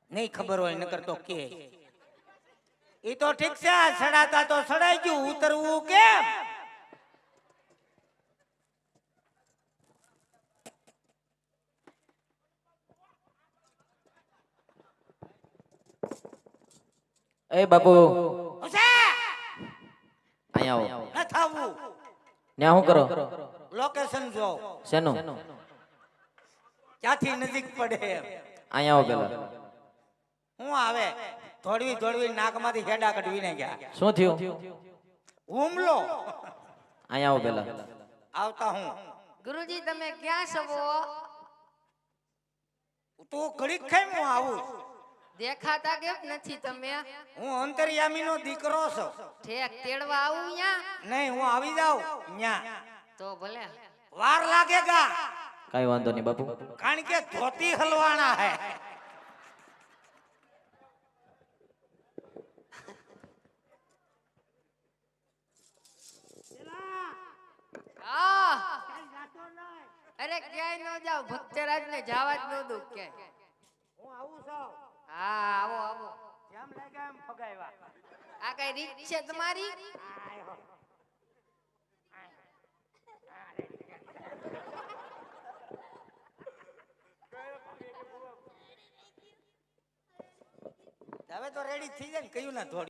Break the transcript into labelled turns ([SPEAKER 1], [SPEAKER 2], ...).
[SPEAKER 1] નહીં ખબર હોય નકર તો કે ઈ તો ઠીક છે સડાતા તો સડાઈ ગયું ઉતરવું કેમ
[SPEAKER 2] એ બાપુ
[SPEAKER 1] અહીંયા
[SPEAKER 2] આવો
[SPEAKER 1] ન થાવું
[SPEAKER 2] ન્યા શું કરો
[SPEAKER 1] લોકેશન જો
[SPEAKER 2] શેનું
[SPEAKER 1] ક્યાંથી નજીક પડે
[SPEAKER 2] અહીંયા આવો પેલા
[SPEAKER 1] હું આવે થોડવી થોડવી નાકમાંથી હેડા કઢવીને ગયા
[SPEAKER 2] શું થયું
[SPEAKER 1] હુમલો
[SPEAKER 2] અહીંયા આવો પેલા
[SPEAKER 1] આવતા હું
[SPEAKER 3] ગુરુજી તમે ક્યાં છો
[SPEAKER 1] તું ઘડીક ખાઈ હું આવું
[SPEAKER 3] દેખાતા કેમ નથી તમે
[SPEAKER 1] હું અંતર્યામીનો દીકરો છું
[SPEAKER 3] ઠેક તેડવા આવું ન્યા
[SPEAKER 1] નહીં હું આવી જાઉં ન્યા
[SPEAKER 3] તો ભલે
[SPEAKER 1] વાર લાગેગા
[SPEAKER 2] કઈ વાંધો નહીં બાપુ
[SPEAKER 1] કારણ કે ધોતી હલવાના હે
[SPEAKER 3] અરે ક્યાંય ન જાવ ભક્તરાજ ને જવા જ ન દઉં કે
[SPEAKER 1] હું આવું છું
[SPEAKER 3] હા આવો આવો
[SPEAKER 1] જેમ લાગે એમ ફગાવ્યા
[SPEAKER 3] આ કઈ રીત છે તમારી
[SPEAKER 1] હવે તો રેડી થઈ જાય ને કયું ના થોડી